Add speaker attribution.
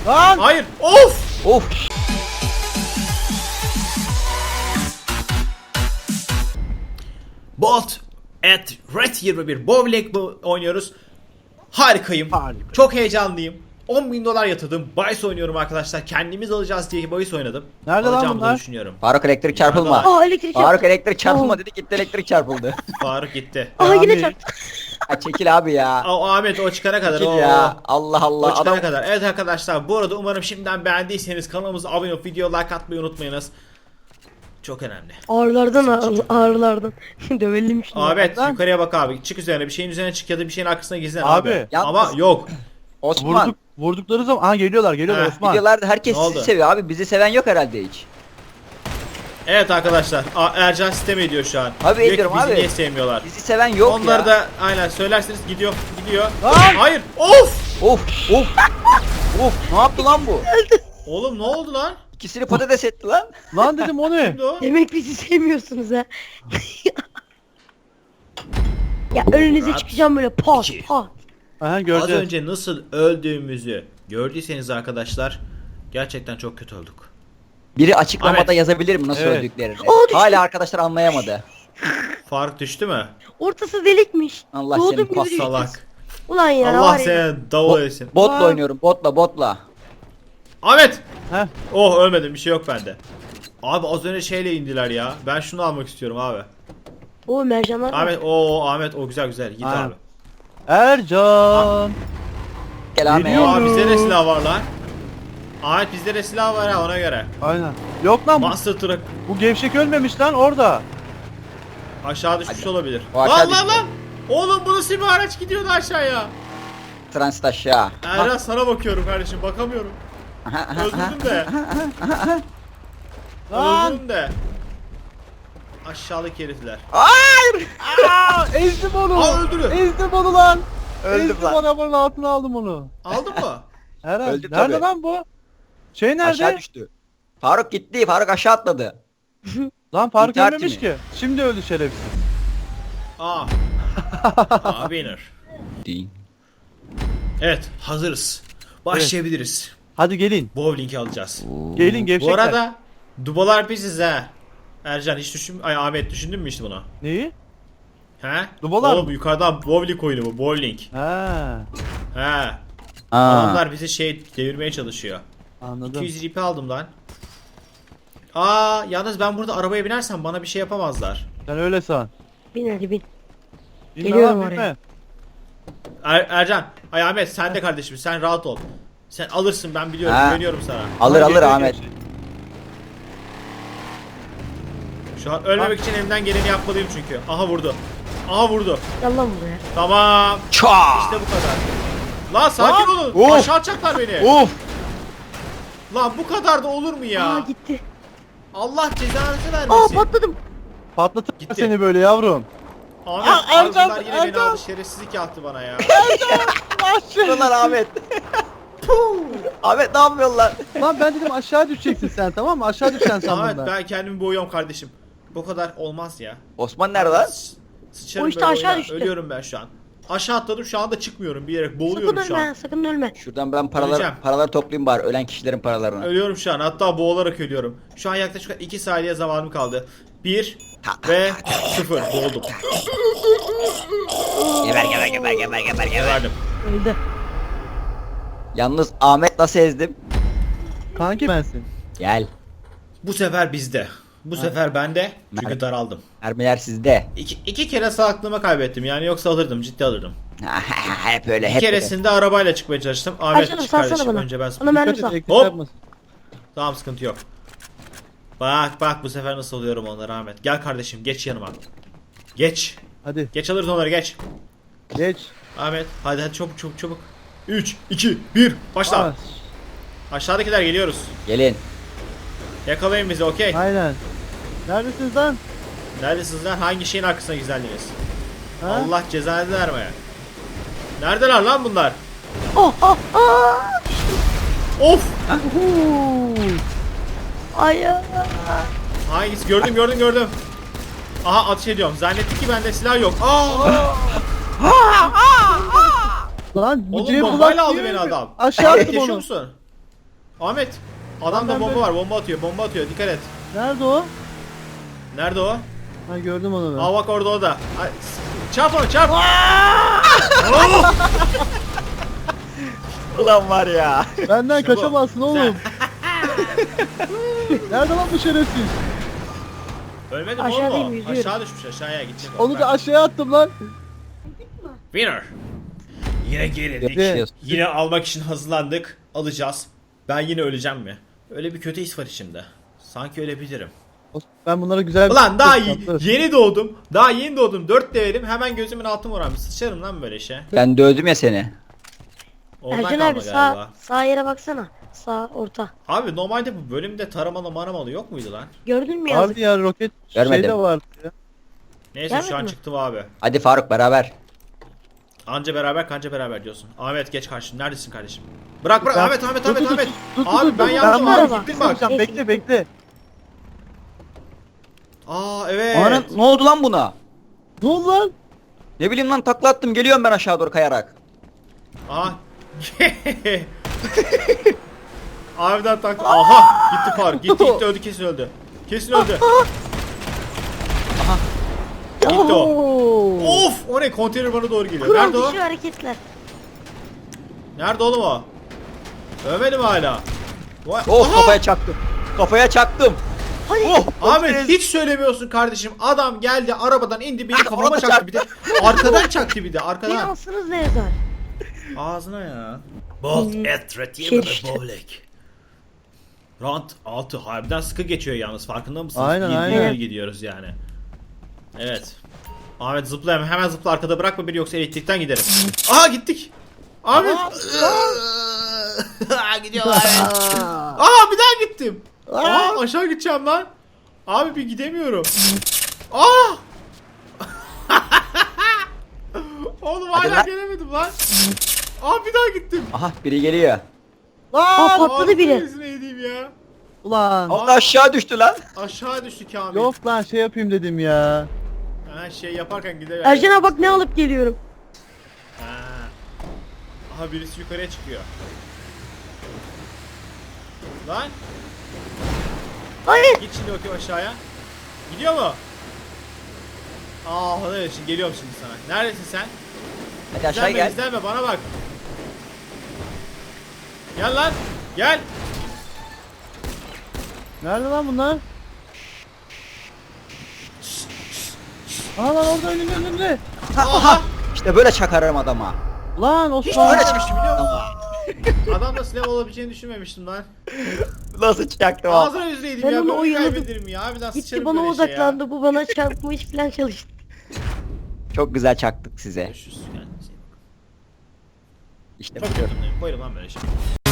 Speaker 1: Lan!
Speaker 2: Hayır. Of.
Speaker 3: Of.
Speaker 2: Bolt at Red 21 bowling oynuyoruz. Harikayım.
Speaker 1: Harika.
Speaker 2: Çok heyecanlıyım. 10.000 dolar yatırdım. Bahis oynuyorum arkadaşlar. Kendimiz alacağız diye bahis oynadım.
Speaker 1: Nerede lan
Speaker 2: Alacağımı da
Speaker 1: bunlar?
Speaker 2: düşünüyorum.
Speaker 3: Faruk elektrik çarpılma.
Speaker 2: Nerede
Speaker 4: Aa elektrik
Speaker 3: Faruk
Speaker 4: çarptı.
Speaker 3: elektrik çarpılma
Speaker 4: Oo.
Speaker 3: dedi, gitti elektrik çarpıldı.
Speaker 2: Faruk gitti.
Speaker 4: Aa yine
Speaker 1: Abi.
Speaker 4: çarptı.
Speaker 3: Ha, çekil abi ya.
Speaker 2: O Ahmet o çıkana kadar.
Speaker 3: Çekil
Speaker 2: O
Speaker 3: ya. Allah
Speaker 2: O
Speaker 3: Allah.
Speaker 2: çıkana
Speaker 3: Adam
Speaker 2: kadar. Evet arkadaşlar bu arada umarım şimdiden beğendiyseniz kanalımıza abone olup video like atmayı unutmayınız. Çok önemli.
Speaker 4: Ağrılardan. Dövelim şimdi.
Speaker 2: Ahmet
Speaker 1: Lan.
Speaker 2: yukarıya bak abi. Çık üzerine bir şeyin üzerine çık ya da bir şeyin arkasına gizlen
Speaker 1: Abi.
Speaker 2: abi.
Speaker 3: Yalnız-
Speaker 2: Ama yok.
Speaker 3: Osman.
Speaker 1: Vurdukları zaman aha geliyorlar
Speaker 2: Heh,
Speaker 1: Osman.
Speaker 3: Videolarda herkes
Speaker 2: Ne oldu?
Speaker 3: sizi seviyor abi. Bizi seven yok herhalde hiç.
Speaker 2: Evet arkadaşlar Ercan sistem ediyor şu an.
Speaker 3: Abi
Speaker 2: Diyor ki,
Speaker 3: ediyorum
Speaker 2: bizi
Speaker 3: abi.
Speaker 2: niye sevmiyorlar?
Speaker 3: Bizi seven yok
Speaker 2: Onları
Speaker 3: ya.
Speaker 2: da aynen söylerseniz gidiyor.
Speaker 1: Lan!
Speaker 2: Hayır. Of.
Speaker 3: Of of. Of ne yaptı lan bu?
Speaker 2: Oğlum ne oldu lan?
Speaker 3: İkisini patates etti lan.
Speaker 1: Lan dedim o ne?
Speaker 2: Kimdi o?
Speaker 4: Demek bizi sevmiyorsunuz ha. Ya önünüze
Speaker 2: Rahat.
Speaker 4: çıkacağım böyle pat
Speaker 2: İki.
Speaker 4: pat.
Speaker 1: Aha
Speaker 2: Az
Speaker 1: göreceğiz.
Speaker 2: önce nasıl öldüğümüzü gördüyseniz arkadaşlar gerçekten çok kötü olduk.
Speaker 3: Biri açıklamada
Speaker 2: Ahmet.
Speaker 3: yazabilir mi nasıl
Speaker 1: Evet.
Speaker 3: öldüklerini?
Speaker 4: Aa, düştü.
Speaker 3: Hala arkadaşlar anlayamadı.
Speaker 2: Faruk düştü mü?
Speaker 4: Ortası delikmiş.
Speaker 3: Allah
Speaker 4: Doğdum
Speaker 3: senin
Speaker 4: gibi
Speaker 3: pas
Speaker 4: düştü.
Speaker 2: Salak.
Speaker 4: Ulan ya
Speaker 2: Allah
Speaker 4: var ya.
Speaker 2: seni davul etsin.
Speaker 3: Botla
Speaker 1: Aa.
Speaker 3: oynuyorum botla.
Speaker 2: Ahmet!
Speaker 1: Heh.
Speaker 2: Oh ölmedim bir şey yok bende. Abi az önce şeyle indiler ya. Ben şunu almak istiyorum abi.
Speaker 4: O mercanlar var.
Speaker 2: Ahmet o güzel git
Speaker 1: Aynen.
Speaker 2: abi.
Speaker 1: Ercan.
Speaker 3: Gel Ahmet.
Speaker 1: Geliyor.
Speaker 2: Aa bizde de silah var lan. Ahmet bizde de silah var ha ona göre.
Speaker 1: Aynen. Yok lan
Speaker 2: Monster Truck
Speaker 1: bu gevşek ölmemiş lan orada.
Speaker 2: aşağı düşmüş olabilir.
Speaker 3: O aşağı
Speaker 2: Lan
Speaker 3: düştü.
Speaker 2: lan! Oğlum bu nasıl bir araç gidiyordu aşağıya?
Speaker 3: Transit aşağı.
Speaker 2: Erhan sana bakıyorum kardeşim bakamıyorum. Öldürdüm de.
Speaker 1: Lan.
Speaker 2: Öldürdüm de. Aşağılık herifler.
Speaker 3: Hayır.
Speaker 1: Aa, ezdim onu.
Speaker 2: Aa, öldürüyor.
Speaker 1: Ezdim onu lan.
Speaker 3: Öldüm
Speaker 1: ezdim
Speaker 3: lan.
Speaker 1: arabanın altına aldım onu.
Speaker 2: Aldın mı?
Speaker 1: Herhalde.
Speaker 3: Öldü
Speaker 1: Nerede
Speaker 3: tabii.
Speaker 1: lan bu? Şey nerede?
Speaker 3: Aşağı düştü. Faruk gitti. Faruk aşağı atladı.
Speaker 1: Lan Faruk
Speaker 3: İntihar
Speaker 1: ölmemiş
Speaker 3: timi.
Speaker 1: ki. Şimdi öldü şerefsiz.
Speaker 2: Aa. Winner.
Speaker 3: Değil.
Speaker 2: Evet hazırız. Başlayabiliriz.
Speaker 1: Hadi gelin.
Speaker 2: Bowling'i alacağız.
Speaker 1: Gelin gevşekler.
Speaker 2: Bu arada dubalar biziz ha. Ercan hiç Ahmet düşündün mü işte bunu?
Speaker 1: Neyi?
Speaker 2: He?
Speaker 1: Dubalar
Speaker 2: Oğlum
Speaker 1: mı?
Speaker 2: yukarıdan bowling oyunu bu bowling.
Speaker 1: Ha,
Speaker 2: He.
Speaker 3: Aa.
Speaker 2: Adamlar bizi devirmeye çalışıyor.
Speaker 1: anladım.
Speaker 2: 200 ipi aldım lan. Yalnız ben burada arabaya binersem bana bir şey yapamazlar.
Speaker 1: Sen öyle san.
Speaker 4: Bin hadi bin.
Speaker 1: Bilme
Speaker 4: Geliyorum
Speaker 1: lan,
Speaker 4: oraya.
Speaker 1: bilme.
Speaker 2: Ercan, Ahmet sen de kardeşim sen rahat ol. Sen alırsın ben biliyorum
Speaker 3: Ha.
Speaker 2: güveniyorum sana.
Speaker 3: Alır
Speaker 1: Hadi
Speaker 3: alır
Speaker 1: geliyor
Speaker 3: Ahmet.
Speaker 1: gevşek.
Speaker 2: Şu an ölmemek için elimden geleni yapmalıyım çünkü. Aha vurdu. Aha vurdu.
Speaker 4: Gel lan buraya.
Speaker 2: Tamam.
Speaker 3: Çaa.
Speaker 2: İşte bu kadar. Lan sakin
Speaker 1: Lan.
Speaker 2: olun.
Speaker 1: Of.
Speaker 2: Aşağı atacaklar beni.
Speaker 1: Of.
Speaker 2: Lan bu kadar da olur mu ya?
Speaker 4: Aa gitti.
Speaker 2: Allah cezanızı
Speaker 4: Aa
Speaker 2: vermesin.
Speaker 4: patladım.
Speaker 1: Patlatır
Speaker 2: Gitti.
Speaker 1: seni böyle yavrum.
Speaker 2: Ahmet,
Speaker 1: Aa,
Speaker 2: abi
Speaker 1: Ercan,
Speaker 2: bunlar yine beni
Speaker 1: Ercan.
Speaker 2: aldı şerefsizlik yaptı bana ya.
Speaker 3: Şuralar Ahmet. Ahmet ne yapıyorsun lan?
Speaker 1: Lan ben dedim aşağı düşeceksin sen, tamam mı? Aşağı düşeceksin sandım
Speaker 2: Ahmet
Speaker 1: ben.
Speaker 2: ben kendimi boğuyorum kardeşim. Bu kadar olmaz ya.
Speaker 3: Osman nerede lan?
Speaker 2: Sıçarım
Speaker 4: O işte
Speaker 2: böyle
Speaker 4: aşağı
Speaker 2: oyuna.
Speaker 4: düştü.
Speaker 2: Ölüyorum ben şu an. Aşağı atladım şu anda çıkmıyorum bir yere
Speaker 4: Sakın
Speaker 2: boğuluyorum şu
Speaker 4: ölme
Speaker 2: an.
Speaker 4: sakın ölme.
Speaker 3: Şuradan ben
Speaker 2: Öleceğim.
Speaker 3: paraları toplayayım bari ölen kişilerin paralarını.
Speaker 2: Ölüyorum şu an hatta boğularak ölüyorum. Şu an yaklaşık 2 saniye zamanım kaldı. 1 ve 0 boğuldum.
Speaker 3: Geber.
Speaker 2: Verdim.
Speaker 4: Öldü.
Speaker 3: Yalnız Ahmet nasıl ezdim?
Speaker 1: Kanki bensin.
Speaker 3: Gel.
Speaker 2: Bu sefer bizde. Bu sefer bende. Çünkü
Speaker 3: Nerede?
Speaker 2: daraldım.
Speaker 3: Mermiler sizde.
Speaker 2: İki kere sağlığımı kaybettim yani yoksa alırdım ciddi alırdım.
Speaker 3: Hep öyle
Speaker 2: Bir
Speaker 3: hep öyle.
Speaker 2: keresinde arabayla çıkmaya çalıştım. Ahmet
Speaker 4: Ercan'ım
Speaker 2: çık
Speaker 4: salsana
Speaker 2: kardeşim
Speaker 4: bana.
Speaker 2: önce ben
Speaker 4: Bana mermi
Speaker 1: Dikkat et,
Speaker 4: sal.
Speaker 1: elektrik
Speaker 2: Hop.
Speaker 1: yapmasın.
Speaker 2: Tamam sıkıntı yok. Bak bu sefer nasıl alıyorum onları Ahmet. Gel kardeşim geç yanıma. Geç.
Speaker 1: Hadi
Speaker 2: Geç alırız onları geç.
Speaker 1: geç.
Speaker 2: Ahmet hadi çabuk. 3, 2, 1 başla.
Speaker 1: Aa,
Speaker 2: Aşağıdakiler geliyoruz.
Speaker 3: Gelin.
Speaker 2: Yakalayın bizi okey.
Speaker 1: aynen. Neredesiniz lan?
Speaker 2: Neredesiniz lan? Hangi şeyin arkasına gizlendiniz?
Speaker 1: Ha?
Speaker 2: Allah cezanı vermeye. Neredeler lan bunlar?
Speaker 4: Oh oh oh.
Speaker 2: Of!
Speaker 4: Ay ya.
Speaker 2: Hangisi? Gördüm. Aha ateş ediyorum. Zannetti ki bende silah yok.
Speaker 1: Lan bu
Speaker 2: Oğlum
Speaker 1: Cem
Speaker 2: bombayla
Speaker 1: Bulat
Speaker 2: aldı
Speaker 1: değil
Speaker 2: beni
Speaker 1: mi?
Speaker 2: adam.
Speaker 1: Aşağı
Speaker 2: Ahmet
Speaker 1: attım
Speaker 2: yaşıyor
Speaker 1: onu.
Speaker 2: musun? Ahmet. Adamda
Speaker 1: Ben
Speaker 2: bomba
Speaker 1: böyle-
Speaker 2: var. Bomba atıyor. Bomba atıyor. Dikkat et.
Speaker 1: Nerede o?
Speaker 2: Nerede o?
Speaker 1: Ha gördüm onu ben.
Speaker 2: Aa bak orada o da. Ay, çarp onu çarp.
Speaker 3: Ulan var ya.
Speaker 1: Benden
Speaker 2: İşte bu.
Speaker 1: kaçamazsın oğlum. Nerede lan bu şerefsiz?
Speaker 2: Ölmedi mi
Speaker 4: Aşağıdayım,
Speaker 2: oğlum o?
Speaker 4: yüzüyorum.
Speaker 2: Aşağı düşmüş aşağıya gidecek o.
Speaker 1: Onu da aşağıya attım lan.
Speaker 2: Winner. Yine gerildik.
Speaker 3: Yakışıyorsun.
Speaker 2: Yine almak için hazırlandık. Alacağız. Ben yine öleceğim mi? Öyle bir kötü his var içimde. Sanki ölebilirim.
Speaker 1: Ben bunlara güzel bir...
Speaker 2: Ulan daha
Speaker 1: Tatlı.
Speaker 2: yeni doğdum. Daha yeni doğdum. 4 levelim. Hemen gözümün altı morarmış. Sıçarım lan böyle şey.
Speaker 3: Ben dövdüm ya seni.
Speaker 2: Oradan
Speaker 4: Ercan
Speaker 2: kalma
Speaker 4: abi
Speaker 2: galiba.
Speaker 4: sağ yere baksana. Sağ orta.
Speaker 2: Abi normalde bu bölümde taramalı maramalı yok muydu lan?
Speaker 4: Gördün mü yazık?
Speaker 1: Vardı ya roket
Speaker 3: Görmedim.
Speaker 1: şeyde vardı ya.
Speaker 2: Neyse
Speaker 4: Gelmedi
Speaker 2: şu an
Speaker 4: mi?
Speaker 2: çıktı bu abi.
Speaker 3: Hadi Faruk beraber.
Speaker 2: Anca beraber kanca beraber diyorsun. Ahmet geç karşım. Neredesin kardeşim? Bırak
Speaker 1: Ben-
Speaker 2: Ahmet.
Speaker 1: Dur,
Speaker 2: Ahmet.
Speaker 1: dur,
Speaker 2: Abi ben
Speaker 1: dur.
Speaker 2: yanlışım
Speaker 1: Ben
Speaker 2: abi
Speaker 4: bak.
Speaker 2: gittin bak.
Speaker 1: Sen bekle bekle.
Speaker 2: Aa evet.
Speaker 3: Ana, ne oldu lan buna?
Speaker 1: Ne oldu lan?
Speaker 3: Ne bileyim lan takla attım geliyorum ben aşağı doğru kayarak.
Speaker 2: Aha. Abiden taktı. Aha gitti Faruk. Gitti öldü kesin öldü. Kesin öldü. Gitti o.
Speaker 1: Oo.
Speaker 2: Of o ne konteyner bana doğru geliyor.
Speaker 4: Kural
Speaker 2: Nerede o?
Speaker 4: dışı hareketler.
Speaker 2: Nerede oğlum o? Ölmedi mi hala? Vay.
Speaker 3: Oh
Speaker 2: Aha!
Speaker 3: kafaya çaktım. Kafaya çaktım.
Speaker 4: Hadi.
Speaker 3: Oh
Speaker 2: Ahmet hiç söylemiyorsun kardeşim. Adam geldi arabadan indi beni kafama
Speaker 3: Arabada
Speaker 2: çaktı bir de. Arkadan çaktı bir de
Speaker 4: Beni
Speaker 2: arkadan.
Speaker 4: alsınız ne yazar?
Speaker 2: Ağzına ya. Bolt et
Speaker 4: Şey işte.
Speaker 2: Round 6 harbiden sıkı geçiyor yalnız farkında mısınız?
Speaker 1: Aynen,
Speaker 2: İyi
Speaker 1: aynen.
Speaker 2: gidiyoruz yani. Evet. Ahmet zıpla hemen zıpla arkada bırakma beni yoksa elektrikten giderim. Aha gittik. Ahmet. Gidiyor Ahmet. Aa bir daha gittim. Aa aşağı gideceğim lan. Abi bir gidemiyorum. Aa! Oğlum
Speaker 3: Hadi
Speaker 2: hala
Speaker 3: lan.
Speaker 2: gelemedim lan. Aa bir daha gittim.
Speaker 3: Aha biri geliyor.
Speaker 4: Aa patladı biri.
Speaker 2: Ağzını yediğim ya.
Speaker 1: Ulan.
Speaker 3: Allah aşağı düştü lan.
Speaker 2: Aşağı düştü Kamil.
Speaker 1: Yok lan şey yapayım dedim ya.
Speaker 2: Ha şey yaparken gider.
Speaker 4: Ercan abi bak ne alıp geliyorum.
Speaker 2: Ha. Aha birisi yukarıya çıkıyor. Lan
Speaker 4: Hayır.
Speaker 2: git şimdi bakayım aşağıya. Gidiyor mu? Aa evet şimdi geliyorum şimdi sana. Neredesin sen?
Speaker 3: Hadi aşağı
Speaker 2: İzlenme
Speaker 3: gel.
Speaker 2: izlenme bana bak. Gel lan. Gel.
Speaker 1: Nerede lan bunlar? Aa lan orada önünde.
Speaker 2: Aha.
Speaker 3: İşte böyle çakarım adama.
Speaker 1: Lan
Speaker 2: Hiç
Speaker 1: Osman.
Speaker 2: böyle çıkmıştım biliyor musun? Adamda silah olabileceğini düşünmemiştim lan.
Speaker 3: Nasıl çaktım abi?
Speaker 2: Ağzına yüzüne
Speaker 4: Ben
Speaker 2: ya.
Speaker 4: onu
Speaker 2: Böyle
Speaker 4: oyaladım.
Speaker 2: kaybederim ya. Harbiden
Speaker 4: Gitti
Speaker 2: sıçarım
Speaker 4: bana
Speaker 2: böyle şey ya.
Speaker 4: odaklandı. Bu bana çarpmış falan çalıştı.
Speaker 3: Çok güzel çaktık size.
Speaker 2: Görüşürüz. Kendinize iyi bakın.
Speaker 3: İşte
Speaker 2: Çok
Speaker 3: bu.
Speaker 2: kötü. Koyarım lan böyle şey.